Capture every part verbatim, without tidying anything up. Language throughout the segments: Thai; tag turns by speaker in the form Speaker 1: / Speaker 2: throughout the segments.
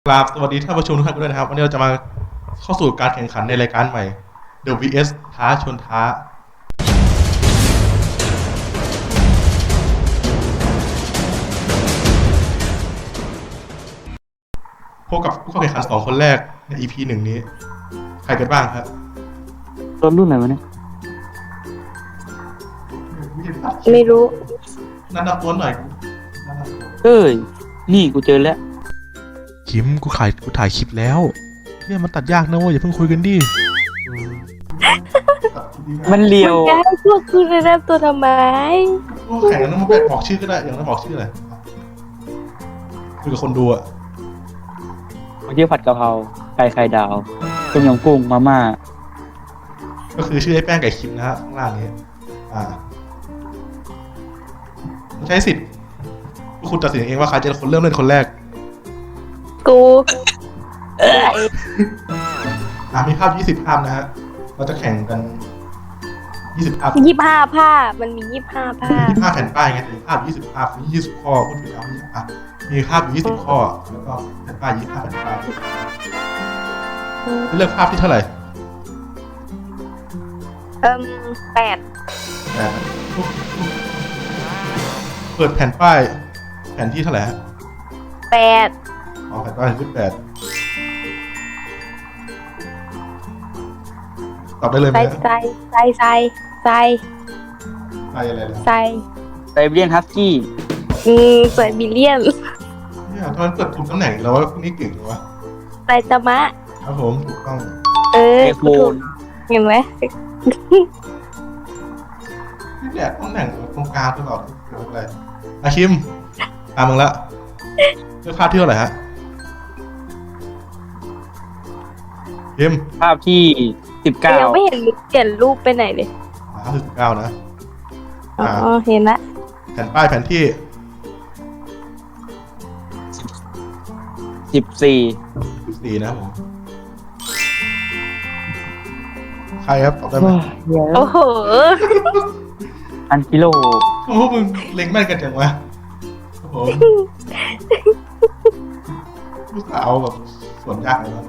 Speaker 1: ครับสวัสดีท่านผู้ชมทุกท่านด้วยนะครับวันนี้เราจะมาเข้าสู่การแข่งขันในรายการใหม่ The วี เอส ท้าชนท้าพบกับผู้เข้าแข่งขันสองคนแรกใน อี พี หนึ่งนี้ใครกันบ้างครับ
Speaker 2: รถรุ่นไหนวะเนี่ย
Speaker 3: ไม่รู้
Speaker 1: นั่นนับตัวหน่อย
Speaker 2: เอ้ย นี่กูเจอแล้ว
Speaker 1: คิมกูถ่ายกูถ่ายคลิปแล้วเนี่ยมันตัดยากนะเว้ยอย่าเพิ่งคุยกันดิ
Speaker 2: มันเลียว
Speaker 3: จะให้พวกคุณแนะนำตัวทำไม
Speaker 1: แข่งกันต้องมาแบบบอกชื่อก็ได้อย่างนั้นบอกชื่ออะไรคุยกับคนดูอะ
Speaker 2: ผมชื่อผัดกะเพราไก่ไข่ดาวต้มยำกุ้งมาม่า
Speaker 1: ก็คือชื่อไอ้แป้งไก่คิมนะฮะข้างล่างนี้อ่าใช้สิทธิ์พวกคุณตัดสินเองว่าใครจะเป็นคนเริ่มเล่นคนแรก
Speaker 3: กู
Speaker 1: อ่ามีภาพยี่สิบภาพนะฮะเราจะแข่งกันยี่สิบภาพ
Speaker 3: ยี่ห้าภาพมันมียี่ห้าภาพ
Speaker 1: ยี่สิบห้าแผ่นป้ายไงแต่ภาพยี่สิบภาพยี่สิบข้อพูดถึงแล้วอ่ะมีภาพอยู่ยี่สิบข้อแล้วก็แผ่นป้ายยี่สิบห้าแผ่นป้ายเลือกภาพที่เท่าไหร่
Speaker 3: เอิ่มแปด
Speaker 1: แปดเปิดแผ่นป้ายแผ่นที่เท่าไหร่ฮะ
Speaker 3: แปด
Speaker 1: อ๋อแผ่นป้ายที่แปดตอบได้เลยไหม
Speaker 3: ใส่ใส่ใส่ใส่ใส่
Speaker 1: ใส่อะไรนะ
Speaker 3: ใส่
Speaker 2: ไซเบียนฮัสกี้
Speaker 3: อืมใส่บิลเลียน
Speaker 1: เนี่ยทำไมเปิดถูกตำแหน่งแล้วว่าพวกนี้เก่งจังวะ
Speaker 3: ใส่ตะมะ
Speaker 1: ครับผมถูกต้อง
Speaker 3: เออ
Speaker 2: ไอโฟ
Speaker 3: กูถูก
Speaker 2: น
Speaker 3: เห็นไหม
Speaker 1: นี่แหละตำแหน่งตรงกลางตลอดเกิดอะไรอาคิมตามมึงละเลือกภาพที่เท่าไหร่ฮะคิม
Speaker 2: ภาพที่สิบเก้า
Speaker 3: ยังไม่เห็นมึงเปลี่ยนรูปไปไหนเลย
Speaker 1: ภาพที่สิบเก้านะ
Speaker 3: อ๋
Speaker 1: อ่า
Speaker 3: อเห็นละ
Speaker 1: แผ่นป้ายแผ่นที่
Speaker 2: สิบสี่
Speaker 1: สิบสี่นะครับผมใครครับตอบได้ไหม
Speaker 3: โอ้โห
Speaker 2: อันกิโล
Speaker 1: โอ้โหมึงเล็งแม่นกันจังวะโอ้โหลูกสาวแบบสวนยากเลยนะ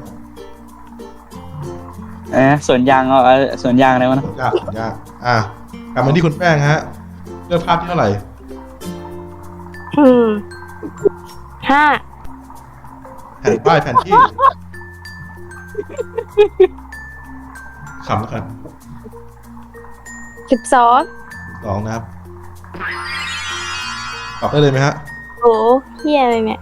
Speaker 2: เอ๊ะสวนยางเอาเอาสวนยางอะไรวะนะ
Speaker 1: สวนยากสวนยากอ่ะกลับมาที่คุณแป้งฮะเลือกภาพที่เท่าไหร่
Speaker 3: อืมห้า
Speaker 1: แผ่นป้ายแผ่นที่ขำแล้วกัน
Speaker 3: สิบสอง
Speaker 1: สองนะครับตอบได้เลยไหมฮะ
Speaker 3: โอ้เฮียอะไรเนี่ย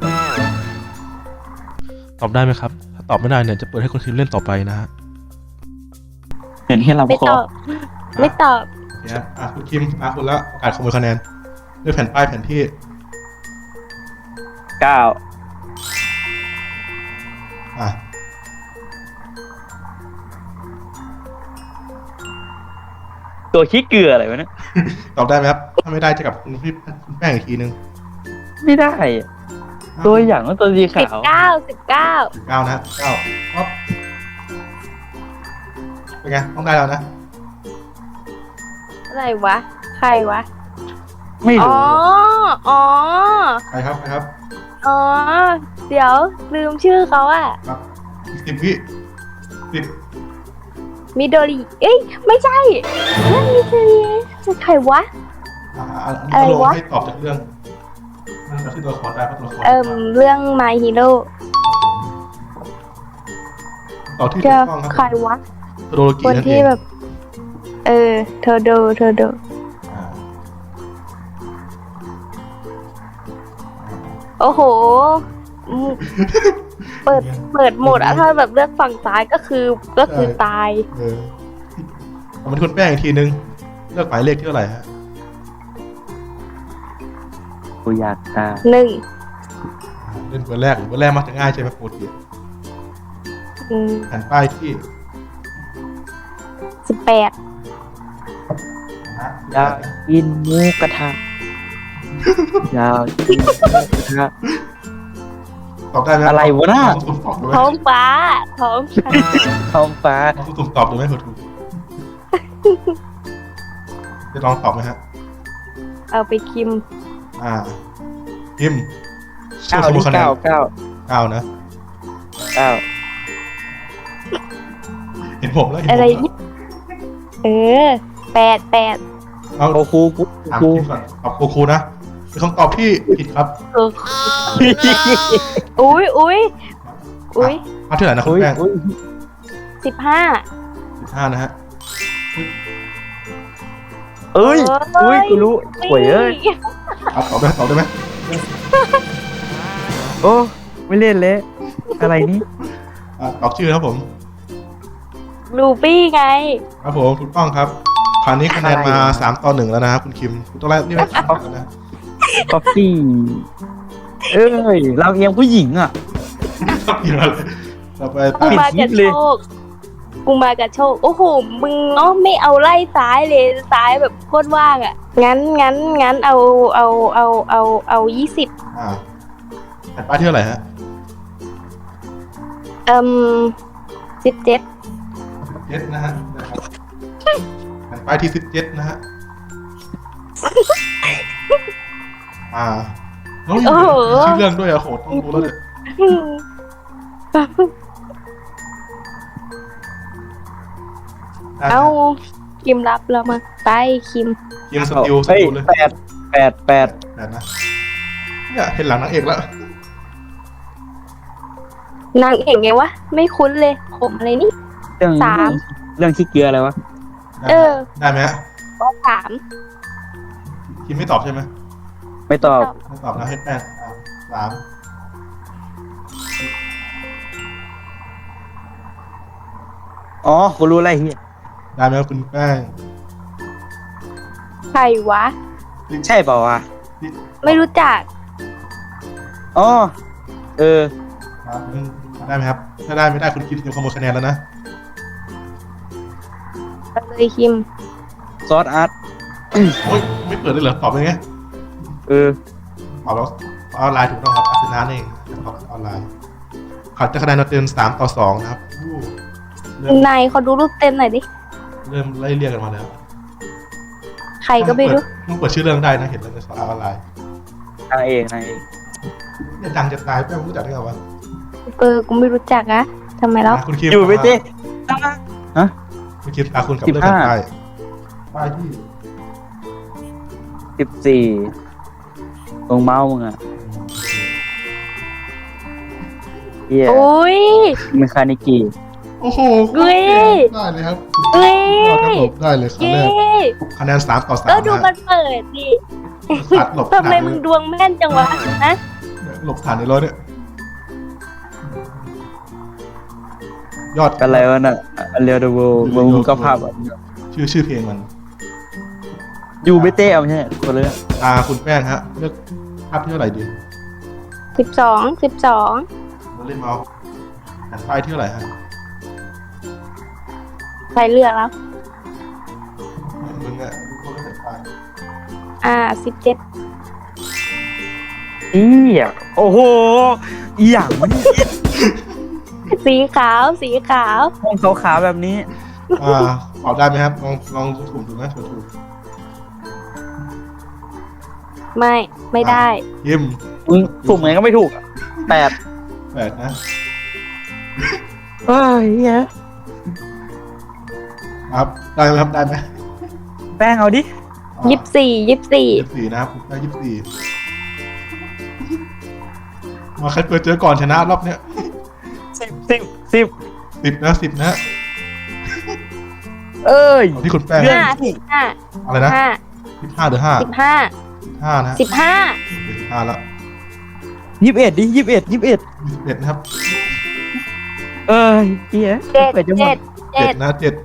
Speaker 1: ตอบได้ไหมครับถ้าตอบไม่ได้เนี่ยจะเปิดให้คนทีมเล่นต่อไปนะฮะ
Speaker 2: เห็นแค่ลำ
Speaker 3: ไม่
Speaker 2: คอ
Speaker 3: ตอบ ไม่ตอบ
Speaker 1: เนี่ยอ่ะคุณคิมอ่ะคุณละโอกาสขโมยคะแนนเลือกแผ่นป้ายแผ่นที่
Speaker 2: เก้า
Speaker 1: อ่ะ
Speaker 2: ตัวขี้เกลืออะไรวะเนี่ย
Speaker 1: ตอบได้ไหมครับถ้าไม่ได้จะกลับคุณพี่คุณแป้งอีกทีนึง
Speaker 2: ไม่ได้อะตัวอย่างว่าตัวสี
Speaker 3: สิ
Speaker 2: ขา
Speaker 3: บ
Speaker 2: ว
Speaker 3: เก้าสิบเก้า
Speaker 1: สิบเก้านะสิบเก้าป๊อปเป็นไงต้องได้แล้วนะ
Speaker 3: อะไรวะ ใครวะ
Speaker 2: ไม่
Speaker 3: อ๋
Speaker 2: รู้
Speaker 3: อ อ๋อ
Speaker 1: ใครครับใครครับ
Speaker 3: อ๋อ เดี๋ยวลืมชื่อเขาอะ
Speaker 1: ครับอีกสิบวิสิบ
Speaker 3: มิโดริ เอ้ย ไม่ใช่นั่นมิโดริจะใครวะ
Speaker 1: อ่าอัน
Speaker 3: อะไร
Speaker 1: นี้ลง
Speaker 3: วะ
Speaker 1: ให้ตอบจากเรื่องนั่นก็คือตัวละครได้เพราะตัวละคร
Speaker 3: เอิ่มเรื่อง My Hero
Speaker 1: ตอบที่ถู
Speaker 3: จะ
Speaker 1: กต้องครับ
Speaker 3: ใครวะ
Speaker 1: โทโดโรกิ
Speaker 3: คน
Speaker 1: นั่นเอ
Speaker 3: ที่
Speaker 1: ง
Speaker 3: แบบ เออเธอโดเธอโด
Speaker 1: อ่า
Speaker 3: โอ้โหอืมเปิด เปิดโหมดอะถ้าแบบเลือกฝั่งซ้ายก็คือ ก็คือตาย
Speaker 1: เออเอามาที่คุณแป้งอีกทีนึงเลือกหมายเลขที่เท่าไหร่ฮะ
Speaker 2: กูอยากตาย
Speaker 3: หนึ่ง
Speaker 1: อ่าเล่นเบอร์แรกหรือเบอร์แรกมักจะง่ายใช่ไหมปกติ
Speaker 3: อืม
Speaker 1: แผ่นป้ายที่
Speaker 3: สิบแปด
Speaker 1: นะ
Speaker 2: อยากกินหมูกระทะอยากกินหมูกระทะ
Speaker 1: ตอบได้ไหม
Speaker 2: อะไรวะน่ะ
Speaker 1: ลองสุ่มตอบดูไหม
Speaker 3: ท้องฟ้า ท้องฟ้า
Speaker 2: ท้องฟ้า
Speaker 1: ลองสุ่มตอบดูไหมเผื่อถูกจะลองตอบไหมฮะ
Speaker 3: เอาไปคิม
Speaker 1: อ่าพิมพ์ชื่อ
Speaker 2: เก้า
Speaker 1: ขโมย
Speaker 2: ที่
Speaker 1: คะแนน
Speaker 2: เก้าเก้า
Speaker 1: เก้านะ
Speaker 2: เก้า
Speaker 1: เห็นผมแล้วเห็นผม
Speaker 3: อะไร
Speaker 1: แล้ว
Speaker 3: นี่เออแปดแปด
Speaker 1: เอา
Speaker 2: โอครูกู
Speaker 1: ถาม
Speaker 2: ครู
Speaker 1: คิมก่อนตอบครูครูนะเป็นคำตอบที่ผิดครับ
Speaker 3: เอออุ้ยอุ้ยอุ้ย
Speaker 1: ภาพที่ไหนนะคุ
Speaker 2: อุ้
Speaker 1: ณ
Speaker 2: ย
Speaker 1: แป้ง
Speaker 2: อุ้ย
Speaker 3: สิบห้า
Speaker 1: สิบห้านะฮะ
Speaker 2: เอ้ยอุ้ยกูรู้หวยเอ้ย
Speaker 1: ครับตอบได้ตอบได้ไหม
Speaker 2: โอ้ไม่เล่นเลยอะไรนี่
Speaker 1: อ่ะตอบชื่อครับผม
Speaker 3: ลูปี้ไง
Speaker 1: ครับผมถูกต้องครับคราวนี้คะแนนมาสามต่อหนึ่งแล้วนะครับคุณคิมคุณต้องแรกนี่ไม่ถามกันนะ
Speaker 2: คอฟฟี่เอ้ยเราเอียงผู้หญิงอ่ะ
Speaker 1: ครับอีกแล้วเลยต่อไป
Speaker 3: กู
Speaker 1: ตาม
Speaker 3: มากับโชค กูมากับโชค โอ้โห มึงเนาะไม่เอาไล่ซ้ายเลยซ้ายแบบโคตรว่างอ่ะ งั้นงั้นงั้นเอาเอาเอาเอาเอายี่สิบ
Speaker 1: อ่าแผ่นป้ายที่เท่าไหร่ฮะ
Speaker 3: เอ่มสิบเจ็ด
Speaker 1: เจ็ดนะฮะนะครับแผ่นป้ายที่สิบเจ็ดนะฮะอ่าน้องอยู่ในชื่อเรื่องด้วยอะโหต้องรู้แล้วเลยได้
Speaker 3: เอา
Speaker 1: ฮะ
Speaker 3: คิมรับแล้วมาไปคิม
Speaker 1: คิมสติลส
Speaker 2: เฮ้ย
Speaker 1: ติลเลย
Speaker 2: แปดแปดแปด
Speaker 1: แปดนะเนี่ยเห็นหลังนางเอกแล้ว
Speaker 3: นางเอกไงวะ ไม่คุ้นเลย ผมอะไรนี่
Speaker 2: เรื่อง
Speaker 3: สาม
Speaker 2: เรื่องขี้เกลืออะไรวะ
Speaker 3: เออ
Speaker 1: ได้ไหมฮะ
Speaker 3: ก็สาม
Speaker 1: คิมไม่ตอบใช่ไหม
Speaker 2: ไม่ตอบ
Speaker 1: ไม่ตอบนะให้แป้งอ่าสาม
Speaker 2: อ๋อกูรู้อะไรเฮีย
Speaker 1: ได้ไหมครับคุณแป้ง
Speaker 3: ใครวะ
Speaker 2: ใช่เปล่าวะ
Speaker 3: ไม่รู้จัก
Speaker 2: อ๋อเออ
Speaker 1: ครับได้ไหมครับ ถ้าได้ไม่ได้คุณคิมจะขโมยคะแนนแล้วนะ
Speaker 3: เลยคิม
Speaker 2: ซอสอาร์ต
Speaker 1: โอ้ยไม่เปิดเลยเหรอตอบยังไง
Speaker 2: เออ
Speaker 1: ตอบแล้วออนไลน์ถูกต้องครับอาร์เซนอลเองตอบออนไลน์เขาจะคะแนนเราเต็มสามต่อสองนะครับอู้เริ่ม
Speaker 3: นายเขาดูรูปเต็มหน่อยดิ
Speaker 1: เริ่มไล่เรียกกันมาแล้ว
Speaker 3: ใครก็ไม่รู้
Speaker 1: ต้องเปิดชื่อเรื่องได้นะเห็นแล้วในสารออนไลน์
Speaker 2: นางเอกนางเอก
Speaker 1: เนี่ยดังจะตายแป้งรู้จักได้ไงวะ
Speaker 3: เออ กูไม่รู้จักอะทำไมแล้ว
Speaker 1: อ่ะคุณคิม
Speaker 2: อยู่ไปเต้ฮะ
Speaker 1: คุณคิมตาคุณกับ
Speaker 2: สิบ
Speaker 1: เรื่อง
Speaker 2: ห้า
Speaker 1: กันป้ายป้ายที่
Speaker 2: สิบสี่ตรงเมาส์มึงอ่ะเฮีย
Speaker 3: โอ้ย
Speaker 2: เมคานิกี
Speaker 1: โอ้โห
Speaker 3: เฮ้ย
Speaker 1: ได้เลยครับ
Speaker 3: เอ้ย
Speaker 1: ยอดครับผมได้เลยครั้ง
Speaker 3: เย้
Speaker 1: แรกคะแนนสามต่อสาม
Speaker 3: ก็ดูมั
Speaker 1: นะ
Speaker 3: นเปิดดิ
Speaker 1: ตัดหลบ
Speaker 3: ทำไมมึงดวงแม่นจังวะนะ
Speaker 1: หลบฐานในรถเนี่ยยอด
Speaker 2: อะไรวะน่ะเรียวเดโววงก็ภาพอ่ะ
Speaker 1: ชื่อชื่อเพลงมัน
Speaker 2: อยู่ไม่เต้เอาไม่ใช่คนเลย
Speaker 1: ตาคุณแป้งฮะเลือกภาพที่เท่าไหร่ดี
Speaker 3: สิบสองสิบสอง
Speaker 1: เราเล่นเมาส์แผ่นป้ายที่เท่าไหร่ฮะ
Speaker 3: ใครเลือกแล้ว
Speaker 1: มึงอะรู้ว่าแผ่นป้าย
Speaker 3: อ่าสิบเจ็ด
Speaker 2: อีอ่ะโอ้โหอีหยังมัน
Speaker 3: สีขาว สีขาว
Speaker 2: ห้องขาวๆแบบนี้
Speaker 1: อ่าตอบได้ไหมครับลองลองถูกดูไหมถูกถูก
Speaker 3: ไม่ ไม่ได้
Speaker 1: ยิม
Speaker 2: มึงถูกไหมก็ไม่ถูกอะแปด
Speaker 1: แปดนะ
Speaker 2: เอ้ยเฮีย
Speaker 1: ครับได้ไหมครับได้ไหม
Speaker 2: แป้งเอาดิ
Speaker 3: ยี่สิบสี่ยี่สิบสี่
Speaker 1: ยี่สิบสี่นะครับได้ยี่สิบสี่มาใครเปิดเจอก่อนชนะรอบเนี้ย
Speaker 2: สิบสิบสิบ
Speaker 1: สิบนะสิบนะ
Speaker 2: เอ้ย
Speaker 1: เอาที่คุณแป้ง
Speaker 3: ห้าสิบห้า
Speaker 1: อะไรนะ
Speaker 3: ห้า
Speaker 1: สิบห้าหรือห้า
Speaker 3: สิบห้า
Speaker 1: สิบห้านะ
Speaker 3: สิบห้า
Speaker 1: สิบห้าแล้ว
Speaker 2: ยี่สิบเอ็ดดิยี่สิบเอ็ดยี่สิบเอ็ด
Speaker 1: ยี่สิบเอ็ดนะครับ
Speaker 2: เอ้ยเฮีย
Speaker 3: เจ็ด
Speaker 2: ปิจะหม
Speaker 3: เจ็ด
Speaker 2: ด
Speaker 3: เจ็
Speaker 1: เจ็
Speaker 3: ด
Speaker 1: ดนะเจ็ด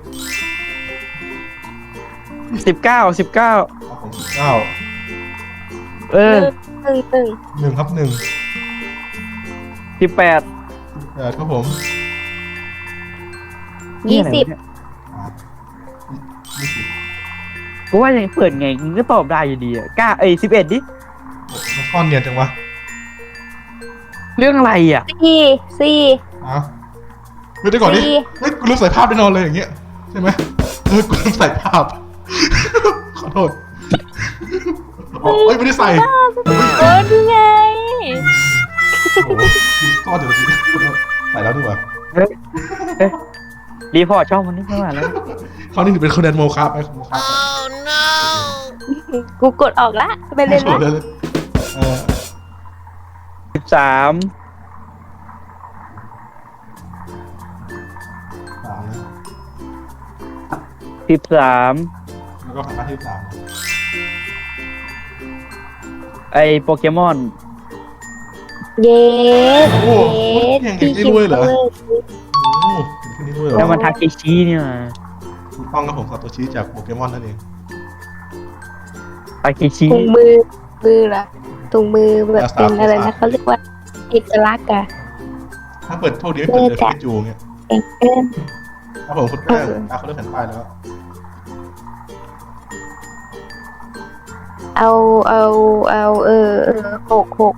Speaker 2: สิบเก้าสิบเก้า
Speaker 1: ครับผมสิบเก้า
Speaker 2: เออ
Speaker 3: หนึ่งหนึ่ง
Speaker 1: หนึ่งครับหนึ่ง
Speaker 2: สิบแปด
Speaker 1: แปดครับผม
Speaker 3: ยี่สิบ
Speaker 1: อ่ายี่สิบ
Speaker 2: กูว่ายังเปิดไงมึงก็ตอบได้อยู่ดีอ่ะกล้าเอ้ยสิบเอ็ดดิ
Speaker 1: มันซ่อนเนียนจังวะ
Speaker 2: เรื่องอะไรอ่ะ
Speaker 3: สี่สี่
Speaker 1: อ้าวเฮ้ยเดี๋ยวก่อนดิ
Speaker 3: สี่
Speaker 1: เฮ้ยกูลืมใส่ภาพแน่นอนเลยอย่างเงี้ยใช่ไหมเออกูลืมใส่ภาพ ขอโทษอ๋อเฮ้ยไม่ได้ใส่
Speaker 3: เออนี่ไง
Speaker 1: โอ้โหซ่อนเดี๋ยวนี้ใส่แล้วดีกว่า
Speaker 2: รีพอร์ตช่องมันนี่ไม่ไหวแล้ว
Speaker 1: เขานี่ถือเป็นคะแนนโมฆะไปโมฆะไป
Speaker 3: กูกดออกละไปเล่น
Speaker 1: โช
Speaker 3: ละ
Speaker 1: ว์เลยเออ
Speaker 2: สิบสาม
Speaker 1: สามนะ
Speaker 2: สิบสาม
Speaker 1: แล้วก็ผ่านมาที่สาม
Speaker 2: ไอโปเกมอน
Speaker 3: เย้เย้
Speaker 1: เก่งได้ด้วยเหรอโอ้ถึงขึ้นนี่ด้วยเหร
Speaker 2: แล้ว
Speaker 1: อ
Speaker 2: มันทาเคชิเนี่ย
Speaker 1: ถูกต้องครับผมซาโตชิจากโปเกมอนนั่นเอง
Speaker 2: ทาเคชิ
Speaker 3: ถุงมือมือละถุงมือแบบเป็นอะไรนะเขาเรียกว่าเอกลักษณ์อะ
Speaker 1: ถ้าเปิดโทษดีไม่เปิดเจอพิกาจูเงี้ย
Speaker 3: เก่งเกิน
Speaker 1: ครับผมคุณแป้งตาเขาเลือกแผ่นป้ายแล้ว
Speaker 3: เอาเอาเอาเออเออหกหก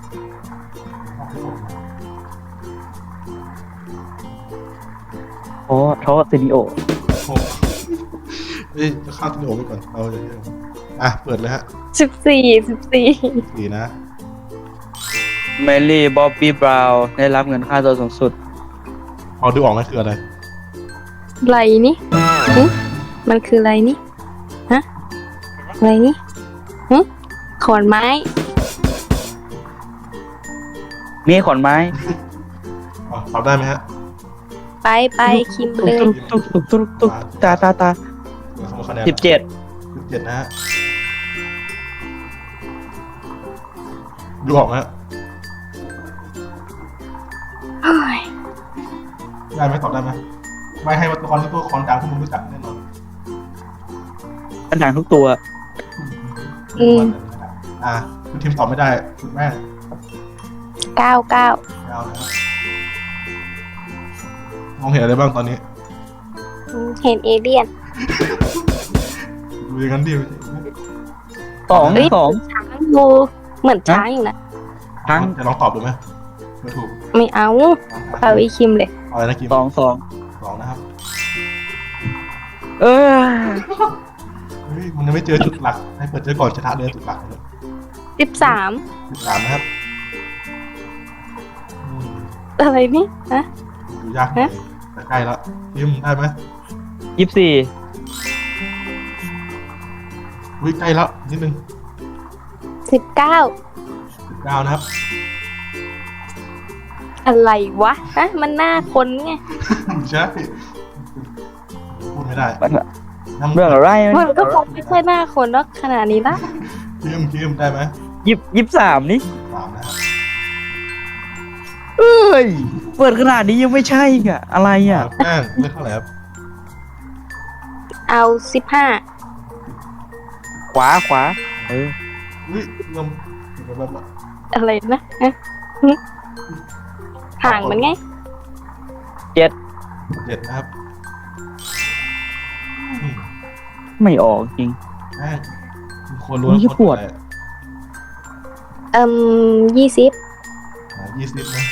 Speaker 2: โอ้ทอซินิโอ
Speaker 1: โอ้เฮ้ยจะข้ามที่โอไปก่อนเราจะเยอะอ่ะเปิดเลยฮะ
Speaker 3: สิบสี่สิบสี่
Speaker 1: สี่นะ
Speaker 2: เมลี่บ๊อบบี้บราวน์ได้รับเงินค่าตัวสูงสุด
Speaker 1: พอดูออกไหมคืออะไร
Speaker 3: ไรนี่หึมันคืออะไรนี่ฮะอะไรนี่หึขอนไม้
Speaker 2: มีขอนไม้
Speaker 1: อ๋อตอบได้ไหมฮะ
Speaker 3: ไปไปคิมเลย
Speaker 2: ตุ๊กตุ๊กตุ๊กตุ๊กตาตาตา
Speaker 1: เดี๋ยวสมมติคะแนน
Speaker 2: สิบเจ็ด
Speaker 1: สิบเจ็ดนะฮะดูออกไหมฮะ
Speaker 3: เฮ้ย
Speaker 1: ได้ไหมตอบได้ไหมไม่ให้ตัวละครที่ตัวละครดังที่มึงรู้จักแน่นอน
Speaker 2: ปัญหาทุกตัว
Speaker 3: อืม
Speaker 1: อ่ะคุณทีมตอบไม่ได้คุณแม่
Speaker 3: เก้าเก้า
Speaker 1: ไม่เอานะครับมองเห็นอะไรบ้างตอนนี้
Speaker 3: อืมเห็นเอเลี่ยน
Speaker 1: ดูอย่างนั้นดิ
Speaker 2: สอง
Speaker 3: เฮ้ย
Speaker 2: สอง
Speaker 3: ช้างดูเหมือนช้างอยู่นะ
Speaker 2: ทั้ง
Speaker 1: จะลองตอบดูไหมไม่ถูก
Speaker 3: ไม่เอาเอาอีคิมเลย
Speaker 1: เอาอะไรนะคิม
Speaker 2: สองสอง
Speaker 1: สองนะครับ
Speaker 2: เออ
Speaker 1: เฮ้ยมันยังไม่เจอจุดหลักให้เปิดเจอก่อนชนะเลยจุดหลักเลย
Speaker 3: สิบสาม
Speaker 1: จุดสามนะครับอืม
Speaker 3: อะไรนี่ฮะ
Speaker 1: ดูยากหน่อยแต่ใกล้แล้วคิมได้ไหม
Speaker 2: ยี่สิบสี่
Speaker 1: อุ้ยใกล้แล้วนิดนึง
Speaker 3: สิบเก้า
Speaker 1: สิบเก้านะครับ
Speaker 3: อะไรวะฮะมันหน้าคนไง
Speaker 1: ใช่พูดไม่ได้
Speaker 2: มัน
Speaker 1: น้ำ
Speaker 2: เรื่องอะไร
Speaker 3: มันก็คงไม่ใช่หน้าคนเนาะขนาดนี้ละ
Speaker 1: คิมคิมได้ไหม
Speaker 2: ยี่ยี่สิบสามนี่
Speaker 1: สามนะครับ
Speaker 2: เอ้ย เปิดขนาดนี้ยังไม่ใช่อีกอะอะไรอ่ะ
Speaker 1: แป้งเลือกเท่าไหร่ครับ
Speaker 3: เอาสิบห้า
Speaker 2: ขวาขวา เออ
Speaker 1: อุ้ยเริ่มแบบแบบ
Speaker 3: อะไรนะฮะหึห่างมันไง
Speaker 2: เจ็ด
Speaker 1: เจ็ดนะครับอืม
Speaker 2: ไม่ออกจริง
Speaker 1: แป้งคุณควรรู้
Speaker 2: อุ๊ยปวด
Speaker 3: เอ่มยี่สิบ
Speaker 1: ยี่สิบนะ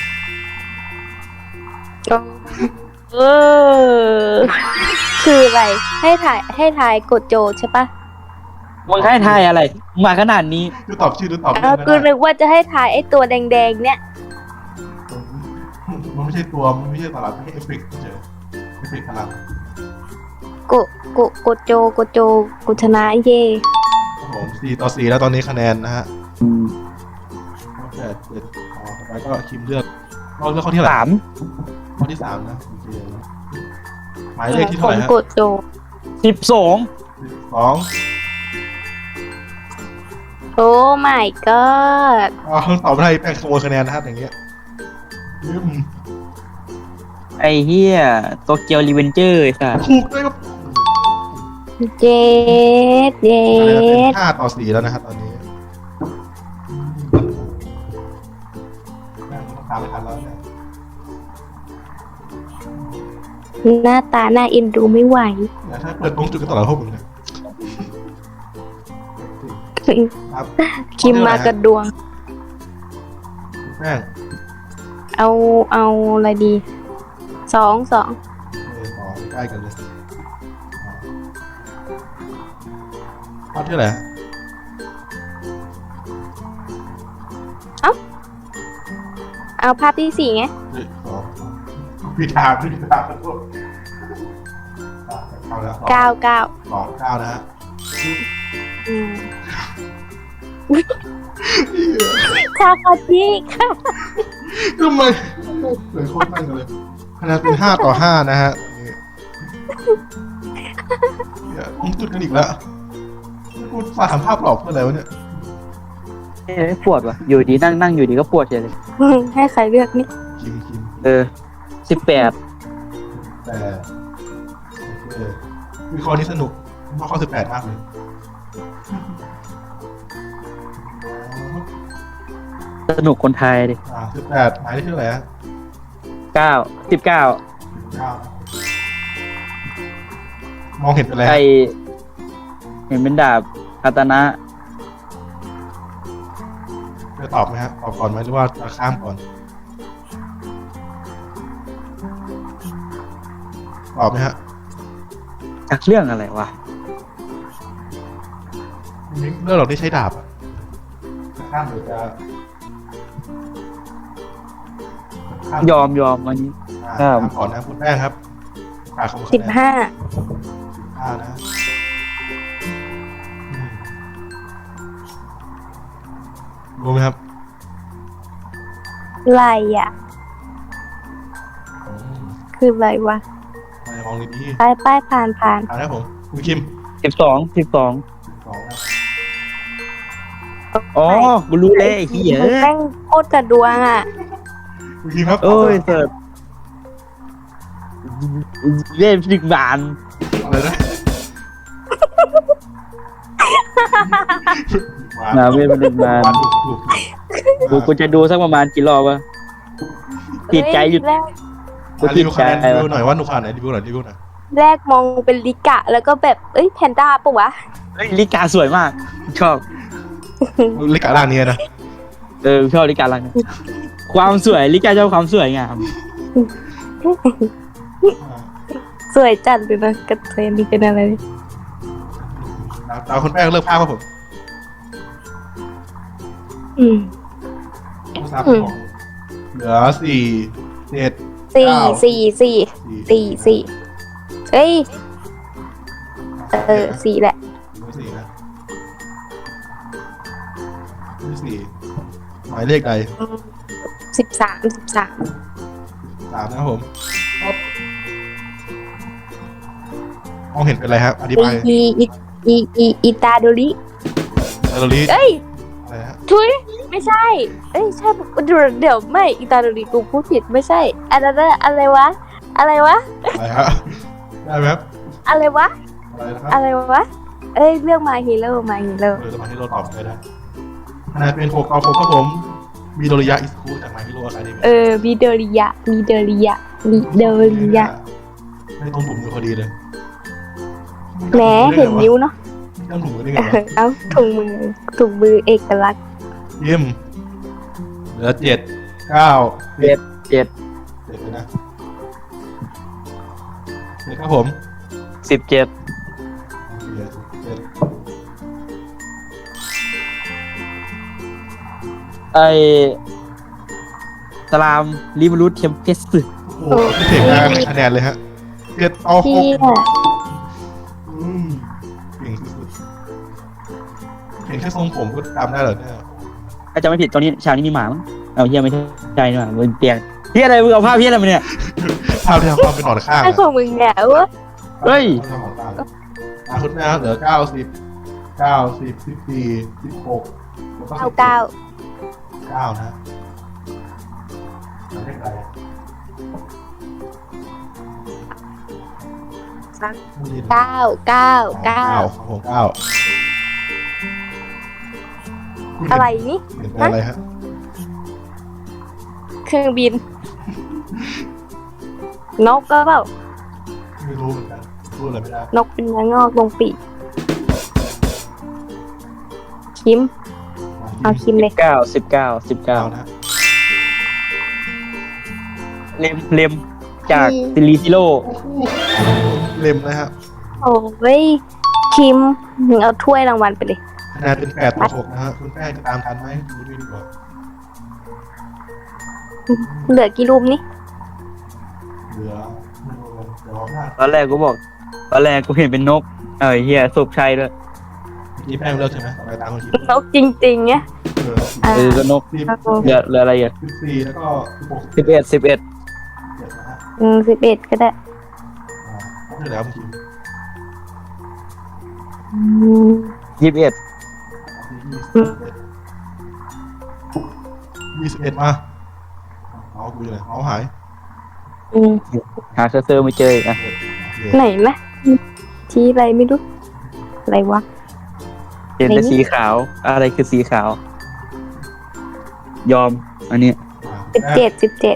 Speaker 3: เออ คืออะไร ให้ถ่ายให้ถ่ายกดโจทย์ใช่ปะ
Speaker 2: มึงให้ทายอะไร มาขนาดนี้
Speaker 1: ดูตอบชื่อดูตอบ
Speaker 3: เอา
Speaker 1: เรื่อง
Speaker 3: กู
Speaker 1: ไม่
Speaker 3: นึ
Speaker 1: ได้
Speaker 3: กว่าจะให้ถ่ายไอ้ตัวแดงๆเนี่ย
Speaker 1: มันไม่ใช่ตัวมันไม่ใช่ตลาดไม่ใช่เอฟเฟกต์เฉยเอฟเฟกต์พลัง
Speaker 3: กูกูกดโจกดโจกูชนะเย่
Speaker 1: ครับผมสี่ต่อสี่แล้วตอนนี้คะแนนนะฮะ
Speaker 2: อืม
Speaker 1: แปดเจ็ดอ๋อต่อไปก็คิมเลือกเราเลือกข้อที่เท่าไหร่
Speaker 2: สาม
Speaker 1: ข้อที่สามนะโอเคหมายเลขที่
Speaker 3: ผ
Speaker 1: เท่าไห
Speaker 3: ม
Speaker 1: ร่ฮะ
Speaker 3: กดโจ
Speaker 2: สิบสอง
Speaker 1: สอง
Speaker 3: โอ้ my god
Speaker 1: อ๋อตอบไม่ได้แป้งขโมยคะแนนนะครับอย่างเงี้ยอืม
Speaker 2: ไอ้เฮียโตเกียวรีเวนเจอร์ไอ้สัส
Speaker 1: ถูกด้วยครับ
Speaker 3: เจ็ดเจ็
Speaker 1: คะแนนเป็น
Speaker 3: ด
Speaker 1: ห้าต่อสี่แล้วนะครับตอนนี้แป้งต้องตามไม่ทันแล้วเนี่ย
Speaker 3: หน้าตาหน้าเอ็นดูไม่ไหว
Speaker 1: เดี๋ยวถ้าเปิดตรงจุดกันตลอดพวกมึงเนี่ยครับ
Speaker 3: คิมมากระดวง
Speaker 1: แป้ง
Speaker 3: เอาเอาอะไรดีสองสอง
Speaker 1: เออต่อใกล้กันเลยข้อที่อะไรฮะ
Speaker 3: เอาภาพที่สี่ไง
Speaker 1: เฮ้ยสองผิดทางผิดทางขอโทษอ่ะเข้าแล้ว
Speaker 3: เก้าเก้า
Speaker 1: สองเก้านะฮะ
Speaker 3: อืมคาคาจิค่ะ
Speaker 1: ทำไมเหมือนโคตรนั่งกันเลยคะแนนเป็นห้าต่อห้านะฮะเนี่ยผมจุดกันอีกแล้วกูฝากทำภาพหลอกเพื่ออะไรวะเนี่ย
Speaker 2: เอ้ยปวดว่ะอยู่ดีนั่งนั่งอยู่ดีก็ปวดเฉยเลย
Speaker 3: อืมให้ใครเลือกนี่
Speaker 1: คิมคิม
Speaker 2: เออสิบแปด
Speaker 1: แต่โอเควิเคราะห์นี้สนุกเพราะข้อสิบแปดมากเลย
Speaker 2: สนุกคนไทยดิ
Speaker 1: อ่าสิบแปดหมายเลขที่เท่าไหร่ฮะ
Speaker 2: เก้าสิบเก้า
Speaker 1: เก้ามองเห็นเป็นอะไร
Speaker 2: ไอ
Speaker 1: ฮะ
Speaker 2: เห็นเป็นดาบคาตานะ
Speaker 1: จะตอบไหมฮะตอบก่อนไหมหรือว่าจะข้ามก่อนตอบไหมฮะ
Speaker 2: จากเรื่องอะไรวะ
Speaker 1: เรื่องหรอกที่ใช้ดาบอะจะข้ามหรือจะข้าม
Speaker 2: ยอมยอมวันนี้
Speaker 1: อ่า
Speaker 2: ครับ
Speaker 1: ข้ามก่อนนะคุณแป้งครับอ่าขอบคุณ
Speaker 3: สิบห้า
Speaker 1: ห้านะอืมรู้ไหมครับ
Speaker 3: ไรอ่ะ
Speaker 1: อืม
Speaker 3: คืออะไรวะ
Speaker 1: มาลองดี
Speaker 3: ป้ายป้ายผ่านผ่าน
Speaker 1: ๆอ่านะครับผมคุณคิม
Speaker 2: สิบสองสิบสอง
Speaker 1: สองนะ
Speaker 2: อ๋อกูรู้เลยไอ้เหี้ย
Speaker 3: มึงแม่งโคตรกระดวงอ่ะ
Speaker 1: คุณคิมครับ
Speaker 2: โอ้ยเสิร์ฟเล่นสิบบาน
Speaker 1: อะไรนะ
Speaker 2: นาเวทมันหนึ่งบาน
Speaker 1: ถูกถูก
Speaker 2: กูกูจะดูสักประมาณกี่รอบวะติดใจหยุด
Speaker 3: แรก
Speaker 2: กู
Speaker 1: อ่ะ
Speaker 2: ติ
Speaker 1: รี
Speaker 2: ด
Speaker 1: วิว
Speaker 2: ใจ
Speaker 1: คะแนนรี
Speaker 2: วะ
Speaker 1: วิวหน่อยว่าหนูผ่านไหนรีวิวหน่อยรีวิวหน่อย
Speaker 3: แรกมองเป็นลิกะ แล้วก็แบบเอ้ยแพนด้าปะวะ
Speaker 2: เฮ้ยลิกาสวยมาก ชอบ
Speaker 1: เล็กกะล่างนี้นะ
Speaker 2: เออชอบลิกาลังนะความสวยลิกาชอบความสวยงาม
Speaker 3: สวยจัดเลยนะกระเทยนี่เป็นอะไร
Speaker 1: ตามคนแป้งเลิกภาพครับผม
Speaker 3: อืม
Speaker 1: ผู้สามของเหลือสี่เจ็ด
Speaker 3: สี่
Speaker 1: เก้า
Speaker 3: สี่สี่สี่สี่เอ้ย เออสี่แหละ
Speaker 1: เหลือสี่นะเหลือสี่หมายเลขใด
Speaker 3: สิบสามสิบสาม
Speaker 1: สามนะครับผมครับมองเห็นเป็นอะไรครับอธิบาย
Speaker 3: อีอีอีอีอีตาโดริ
Speaker 1: เออรี
Speaker 3: เอ้ย
Speaker 1: อะไรฮะ
Speaker 3: ทุยไม่ใช่ เอ้ยใช่เดี๋ยวเดี๋ยวไม่อีตาโดริกูพูดผิดไม่ใช่อันนั้นอะอะไรวะ อะไรวะ
Speaker 1: อะไรฮะได้ไหมครับ
Speaker 3: อะไรวะ
Speaker 1: อะไรนะครับ
Speaker 3: อะไรวะ เอ้ยเรื่องมาฮีโร่มาฮีโร่
Speaker 1: เออจะมาให้เราตอบเลยนะคะแนนเป็นหกต่อหกครับผมมีโดริยะอิสคูจากไมฮิโร่อะไรดีไหม
Speaker 3: เออมีเดริยะมีเดริยะมีเดริยะ
Speaker 1: ไม่ต้องถุงมือพอดีเลย
Speaker 3: แหมเห็นนิ้วเนาะ
Speaker 1: ไม่ต้องถุงมือได้ไง
Speaker 3: เอ
Speaker 1: วะ
Speaker 3: อเอ้าถุงมือถุงมือเอกลักษณ์
Speaker 1: ยิมเหลือเจ็ดเก้า
Speaker 2: เจ็ดเจ็ด
Speaker 1: เจ็ดเลยนะเจ็ดครับผม
Speaker 2: สิบเจ็ด
Speaker 1: เหลือเจ็ด
Speaker 2: ไอสลามลิบรูทเทมเพสต์
Speaker 1: โอ้โหพี่เสกได้คะแนนเลยฮะเจ็ดต่อห
Speaker 3: ที่
Speaker 1: กอืมเก่งสุดๆเห็นแค่ทรงผมก็จำได้เหรอเนี่ย
Speaker 2: ถ้าจำไม่ผิดตอนนี้ฉากนี้มีหมามั้งเอาเฮียไม่ใช่นี่หว่าบนเตียงเฮียอะไรมึงเอาภาพเฮียอะไรมาเนี่ย
Speaker 1: ภาพที่ทำความเป็นหนอนข้าง
Speaker 3: ไอ้
Speaker 1: อะ
Speaker 3: ของมึงเนี่ยเวะ
Speaker 2: เฮ้ย
Speaker 1: ภาพที่ทำหนอนข้างอะอ่ะคุณแม่ครับเหลือเก้าสิบเก้าสิบสิบสี่สิบหกแล้วก็
Speaker 3: เก้าเก้า
Speaker 1: เก้านะเลขอะไร
Speaker 3: เก้าเก้าเก้า
Speaker 1: ครับผมเก้าคุณเห็น
Speaker 3: อะไรนี่
Speaker 1: เห็นเป็นอะไรฮะ
Speaker 3: เครื่องบิน นกก็เปล่า
Speaker 1: ไม่รู้เหมือนกันพูดอะไรไม่ได้
Speaker 3: นกเป็นเนื้องอกตรงปีกคิม เอาคิมเลย
Speaker 2: เก้าสิบเก้าสิบเก้า
Speaker 1: เก้านะ
Speaker 2: เลมเลมจากซิลิซิโร่
Speaker 1: เล็มนะฮะ
Speaker 3: โอ้ยคิมมึงเอาถ้วยรางวัลไปเลย
Speaker 1: คะแนนเป็นแปดต่อหกนะฮะคุณแป้งจะตามทันไหมดูด้วยดีกว่า
Speaker 3: เหลือกี่รูปนี่
Speaker 1: เหลือเดี๋ยวหน้า
Speaker 2: ตอนแรกกูบอก ตอนแรกกูเห็นเป็นนก เออเฮียสุกชัยด้วย
Speaker 1: ที่แป้งเลิกใช่ไหมต่อไปตามคนคิด
Speaker 3: นกจริงๆเนี่ย
Speaker 1: เออ
Speaker 3: อ่า
Speaker 2: เออก็นก
Speaker 1: สิบ
Speaker 2: เหลือเหลืออะไรอ่ะ
Speaker 1: สิบสี่แล้วก็สิบหก
Speaker 2: สิบเอ็ดสิบเอ็ด
Speaker 1: เจ็ดนะฮะ
Speaker 3: อืมสิบเอ็ดก็ได้
Speaker 1: อ่าครบที่แล้วคุณคิม
Speaker 3: อืม
Speaker 2: ยี่สิบเอ็ด
Speaker 1: ยี่สิบเอ็ดมาเอากูอยู่ไหนเอาหาย
Speaker 3: อืม
Speaker 2: หาเซอร์เซอร์ไม่เจออีกอ่ะ
Speaker 1: โอเค
Speaker 3: ไหนนะชี้อะไรไม่รู้อะไรวะ
Speaker 2: เห็นแต่สีขาว อะไรคือสีขาว ยอม อันนี้
Speaker 3: สิบเจ็ดสิบเจ็ด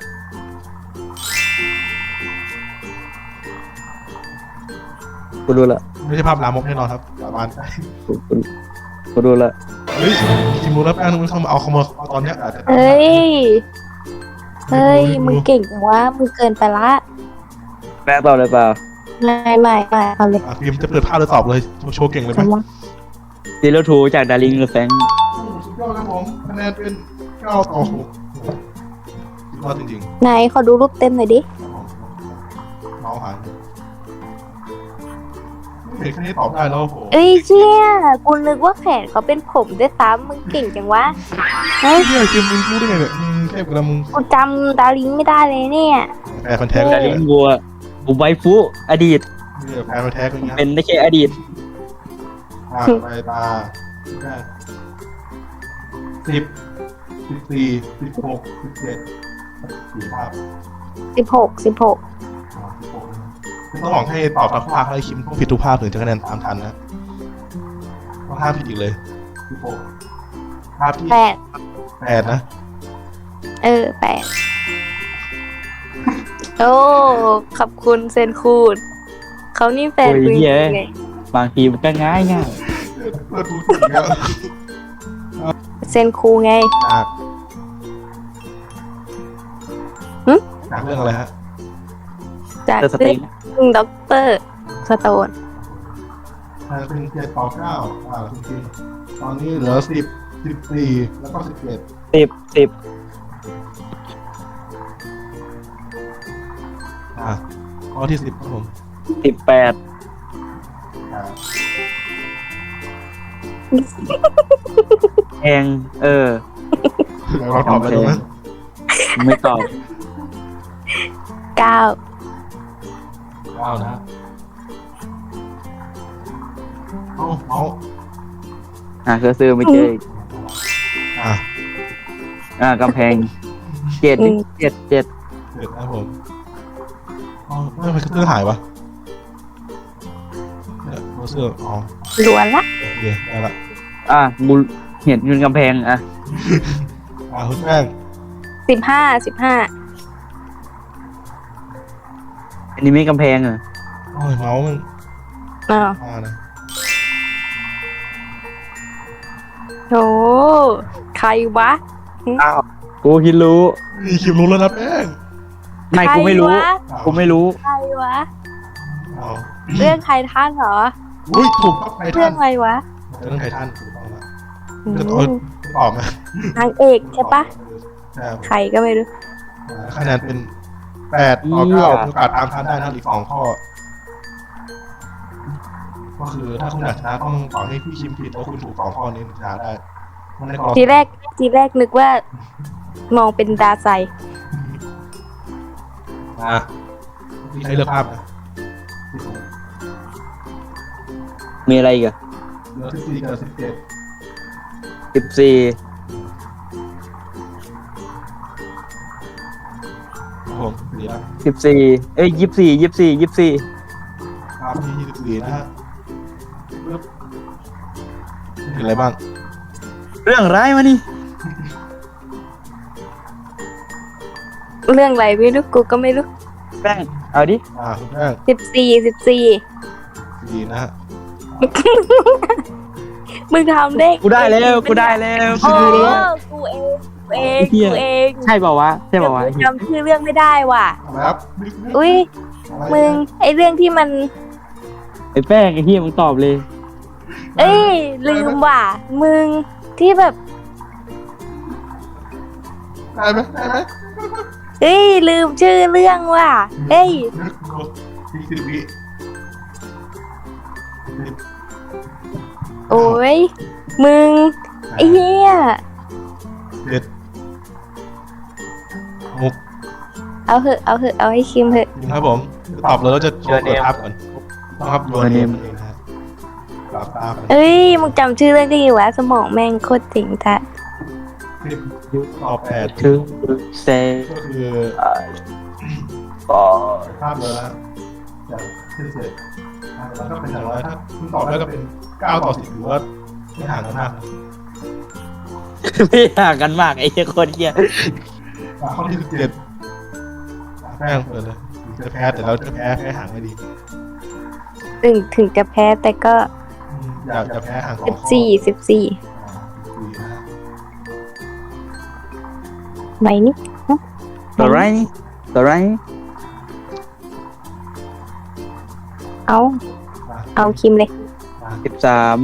Speaker 2: กูรู้ละ
Speaker 1: ไม่ใช่ภาพลามกแน่นอนครับสาบานไป
Speaker 2: กูกูกูรู้ละ
Speaker 1: เฮ้ยคิมรู้แล้วแป้งมึงเข้ามาเอาขโมยเอาตอนเนี้ยอาจจะ
Speaker 3: เฮ้ยเฮ้ยมึงเก่งจังวะมึงเกินไปละ
Speaker 2: แม่ตอบเลยเปล่า
Speaker 3: ไม่ไม่ไม่เอาเลย
Speaker 1: อ่ะพิมจะเปิดภาพหรือตอบเลยโชว์เก่งเลยไหม
Speaker 3: จังวะ
Speaker 2: ซีโร่ทูจากดาริงหรือแฟง
Speaker 1: สุดยอดครับผมคะแนนเป็นเก้าต่อหกสุดยอดจริง
Speaker 3: ไหนขอดูรูปเต็มหน่อยดิ
Speaker 1: ๆเมาส์หายไม่เห็นแค่นี้ตอบได้แล้วโอ้โห
Speaker 3: เอ้ยเชี่ยกูนึกว่าแขนเขาเป็นผมด้วยซ้ำมึงเก่งจังวะเฮ้ย
Speaker 1: เนี่ยคิมมึงรู้ได้ไงเนี่ยมึงเทพกับมึง
Speaker 3: กูจำดาริงไม่ได้เลยเนี่ย
Speaker 1: แฟนพันธุ์แท้ก็
Speaker 2: ดา
Speaker 1: ได้
Speaker 2: ริงบัวบุไวฟุอดีต
Speaker 1: เนี่ยแฟนพันธุ์แท้ก็อย่างเงี้ย
Speaker 2: เป็นได้แค่อดีต
Speaker 1: อ่าไปตาสิบสิบสี่สิบหกสิบเจ็ดสี่ภาพ
Speaker 3: สิบหกสิบหก
Speaker 1: อ่าสิบหกต้องบอกให้ตอบตามภาพให้คิมต้องผิดทุกภาพถึงจะคะแนนตามทันนะต้องห้ามผิดอีกเลยสิบหกภาพที่
Speaker 3: แปด
Speaker 1: แปดนะ
Speaker 3: เออแปดโอ้ขอบคุณเซนคูดเขานี่แฟน
Speaker 2: โอ้ย
Speaker 3: มึง
Speaker 2: เหี้ย
Speaker 3: ไง
Speaker 2: บางทีมันก็ง่ายง่าย
Speaker 1: เปิดดูถูกแล้ว
Speaker 3: เซนคูไง
Speaker 1: จาก
Speaker 3: หึ
Speaker 1: จากเรื่องอะไรฮะ
Speaker 3: จาก
Speaker 2: เตอร์ส
Speaker 3: เรื่
Speaker 2: ติ
Speaker 3: อง งด็อกเตอร์สโตน
Speaker 1: อ่าเป็นเจ็ดต่อเก้าอ่าคุณคิมตอนนี้เหลือสิบสิบสี่แล้วก็สิบเจ็ด
Speaker 2: สิบสิบ
Speaker 1: อ่าข้อที่สิบครับผม
Speaker 2: สิบแปด
Speaker 1: อ่า
Speaker 2: แพงเออ
Speaker 1: เดี๋ยวเราตอบไปดูนะ
Speaker 2: ไม่ตอบ
Speaker 3: เก้า
Speaker 1: เก้านะฮะเอาเอา
Speaker 2: หาเซอร์เซอร์ไม่เจออีก
Speaker 1: อ่า
Speaker 2: อ่ากำแพงเจ็ดดิเจ็ดเจ็ด
Speaker 1: เจ็ดนะครับผมเอาไม่ไปเสื้อหายวะเนี่ยเอาเสื้ออ๋อ
Speaker 3: ล้วนละ
Speaker 1: โอเคได้ละ
Speaker 2: อ่ะกูเห็นเงินกำแพงอ่ะ
Speaker 1: อ่าคุณแป้ง
Speaker 3: สิบห้าสิบห้า
Speaker 2: อันนี้ไม่กำแพงเหรอ
Speaker 1: โอ้ยเมาส์มัน
Speaker 3: อ้าว
Speaker 1: มานะ
Speaker 3: โหใครวะ
Speaker 2: อ้าวกูคิดรู้
Speaker 1: นี่คิมรู้แล้วนะแป้ง
Speaker 2: ไม่กูไม่รู้
Speaker 3: ใควะ
Speaker 2: กูไม่รู้
Speaker 3: ใครวะ
Speaker 1: เอา
Speaker 3: เรื่องใครท่านเหรอ
Speaker 1: อุ้ยถูกต้องไท
Speaker 3: เรื่
Speaker 1: ทั
Speaker 3: อน งอะไรวะ
Speaker 1: เรื่องไททันถูกต้องละ
Speaker 3: อืม
Speaker 1: จะตอบตอบไหม
Speaker 3: นางเอกใช่ปะ
Speaker 1: ใช่ครับ
Speaker 3: ใครก็ไม่รู้
Speaker 1: อ่าคะแนนเป็นแปดต่อเก้ามีโอกาสตามทันได้นะอีกสองข้อ ก็คือถ้าคุณอยากชนะต้องต่อให้พี่คิมผิดแล้วคุณถูกสองข้อนี้ถึงชนะได้มันในกรอบ
Speaker 3: ทีแรกทีแรกนึกว่า มองเป็นดาไซ
Speaker 1: อ่ะพี่ใช้เลือกภาพนะ
Speaker 2: มีอะไรอีกอะ
Speaker 1: เหลือสิบสี่กับสิบเจ็ด
Speaker 2: สิบสี่
Speaker 1: ครับผมเหลือ
Speaker 2: สิบสี่เอ้ยยี่สิบสี่ยี่สิบสี่ยี่สิบสี่
Speaker 1: ภาพที่ยี่สิบสี่นะฮะปึ๊บเห็นอะไรบ้าง
Speaker 2: เรื่องร้ายมานี่
Speaker 3: เรื่องอะไรไม่รู้กูก็ไม่รู้
Speaker 2: แป้งเอาดิ
Speaker 1: อ่าคุณแป้ง
Speaker 3: สิบสี่สิบสี่
Speaker 1: สี่นะฮะ
Speaker 3: มึงทำได้
Speaker 2: กูได้แล้วกูได้แล้ว
Speaker 3: โอ้กูเองกูเองกูเอง
Speaker 2: ใช่เปล่าวะใช่เปล่าวะ
Speaker 3: กูจำชื่อเรื่องไม่ได้ว่ะ
Speaker 1: อะไรครับ
Speaker 3: อุ้ยมึงไอเรื่องที่มัน
Speaker 2: ไอ้แป้งไอ้เฮียมึงตอบเลย
Speaker 3: เอ้ยลืมว่ะ มึงที่แบบ
Speaker 1: ได้ไหมได้ไหม
Speaker 3: สเอ้ยลืมชื่อเรื่องว่ะเอ้ย
Speaker 1: อีกสิบวิ
Speaker 3: โอ้ยมึงไอ้เหี้ย
Speaker 1: เจ็ดหก
Speaker 3: เอาเหอะเอาเหอะเอาให้คิมเหอะ
Speaker 1: ครับผมตอบเลยแล้วจะโชว์เปิดภาพก่อนต้องครับโยนเนมเองนะฮะกลับตาก่อน
Speaker 3: เอ้ยมึงจำชื่อเรื่องได้อยู่วะสมองแม่งโคตรจริงจ้ะ
Speaker 1: สิบตอบแปด
Speaker 2: ถึงเซ
Speaker 1: ก็คือ
Speaker 2: ก็
Speaker 1: ภาพเลยนะจากสิบเจ็ดแล้วก็เป็นอย่างไรถ้าคุณตอบได้ก็เป็นเก้าต่อสิบหรือว่าไม่ห่างกันมากนะ
Speaker 2: ไม่ห่างกันมากไอ้เหี้ยโคนเหี้ย
Speaker 1: ข้อที่สิบเจ็ดแป้งเปิดเลยจะแพ้แต่เราจะแพ้แพ้ห่างไม่ดี
Speaker 3: ถึงถึงจะแพ้แต่ก็
Speaker 1: อืมอยากจะแพ้ห่างของ
Speaker 3: สิบสี่สิบสี่ไหนนี่
Speaker 2: ตัวไรนี่ตัวไรนี่
Speaker 3: เอาเอาคิมเลย
Speaker 2: สิบสาม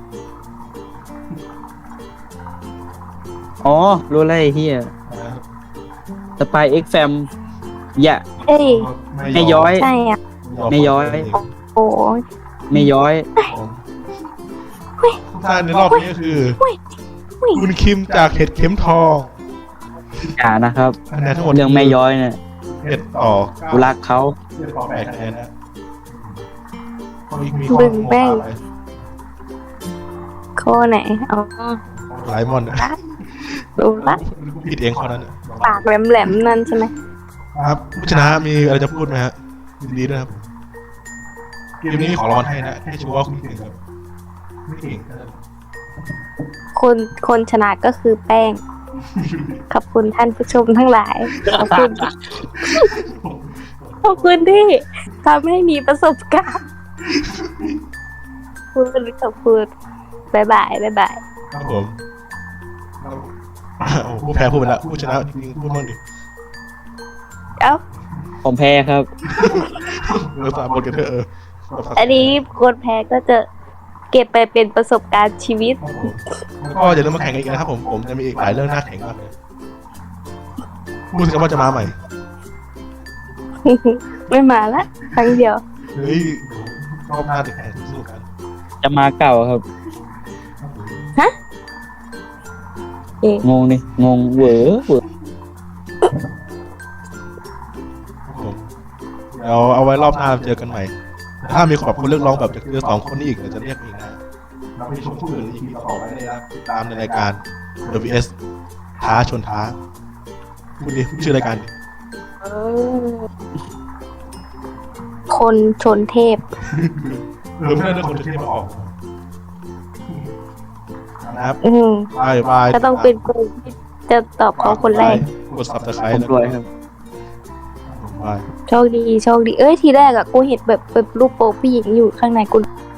Speaker 2: อ๋อรู้แล้วไอ้เหี้ยสปายเอ็กแฟมอย่า
Speaker 3: เอ้ย
Speaker 2: ไม่ย้อย
Speaker 3: ใช่อ่ะ
Speaker 2: ไม่ย้อย
Speaker 3: โอ้ย
Speaker 2: ไม่ย้อย
Speaker 1: ทุกท่านในรอบนี้ก็คือ
Speaker 3: อุ้ย
Speaker 1: คุณคิมจากเห็ดเข็มทอง
Speaker 2: อย่านะครับ
Speaker 1: คะแนนทั้งหมด
Speaker 2: เรื่องไม่ย้อยเนี่ย
Speaker 1: เจ็ดต่อ
Speaker 2: กูรักเขา
Speaker 1: เจ็ดต่อแปดคะแนนนะข้อนี้มี
Speaker 3: บึงแป้ง
Speaker 1: ข้อ
Speaker 3: ข้อไหนอ๋อ
Speaker 1: หลายมอนนะ
Speaker 3: รู้ละ
Speaker 1: ผิดเองข้อนั้นน่ะ
Speaker 3: ปากแหลมๆนั่นใช่ไหม
Speaker 1: ครับผู้ชนะมีอะไรจะพูดไหมฮะยินดีด้วยครับเกมนี้ขอรางวัลให้นะให้ชัวร์ว่าคุณเก่งครับไม่เก่งก็ได้
Speaker 3: คนคนชนะก็คือแป้ง ขอบคุณท่านผู้ชมทั้งหลาย ขอบคุณ ขอบคุณที่ทำให้มีประสบการณ์พูดขอบคุณบายบายบายบาย
Speaker 1: ครับผมโอ้ผู้แพ้พูดไปแล้วผู้ชนะจริงๆพูดบ้างดิ
Speaker 3: เอ้า
Speaker 2: ผมแพ้ครับ
Speaker 1: เออสามบทกันเถอะเออ
Speaker 3: อันนี้คนแพ้ก็จะเก็บไปเป็นประสบการณ์ชีวิต
Speaker 1: ครับผมแล้วก็อย่าลืมมาแข่งกันอีกนะครับผมผมจะมีอีกหลายเรื่องน่าแข่งมากเลยพูดสิครับว่าจะมาใหม่
Speaker 3: ไม่มาละครั้งเดียว
Speaker 1: เฮ้ยรอบหน้าจะแข่งสู้กัน
Speaker 2: จะมาเก่าครับ
Speaker 3: เอ๊ะ
Speaker 2: งงนี่งงเหวอเหวอ
Speaker 1: ครับผมเดี๋ยวเอาไว้รอบหน้าเจอกันใหม่ ถ้ามีขอบคนเรียกร้องแบบจากเจอสองคนนี้อีกเดี๋ยวจะเรียกอีกนะเราไปชมผู้อื่นอีพีต่อไปได้นะติดตามในรายการ เดอะ วี เอส ท้าชนท้าคุณดิชื่อรายการดิ
Speaker 3: เออคนชนเทพ
Speaker 1: เออไม่ได้เรื่องคนที่มาออกนะครับ
Speaker 3: อืม
Speaker 1: บายบาย
Speaker 3: ก็ต้องเป็นกูที่จะตอบเขาคนแรก
Speaker 1: กด ซับสไคร
Speaker 2: ผม
Speaker 1: บ์
Speaker 2: ด้วยครับ
Speaker 1: บาย
Speaker 3: โชคดีโชคดี เอ้ยทีแรกอะกูเห็นแบบแบบรูปโป๊ผู้หญิงอยู่ข้างในกู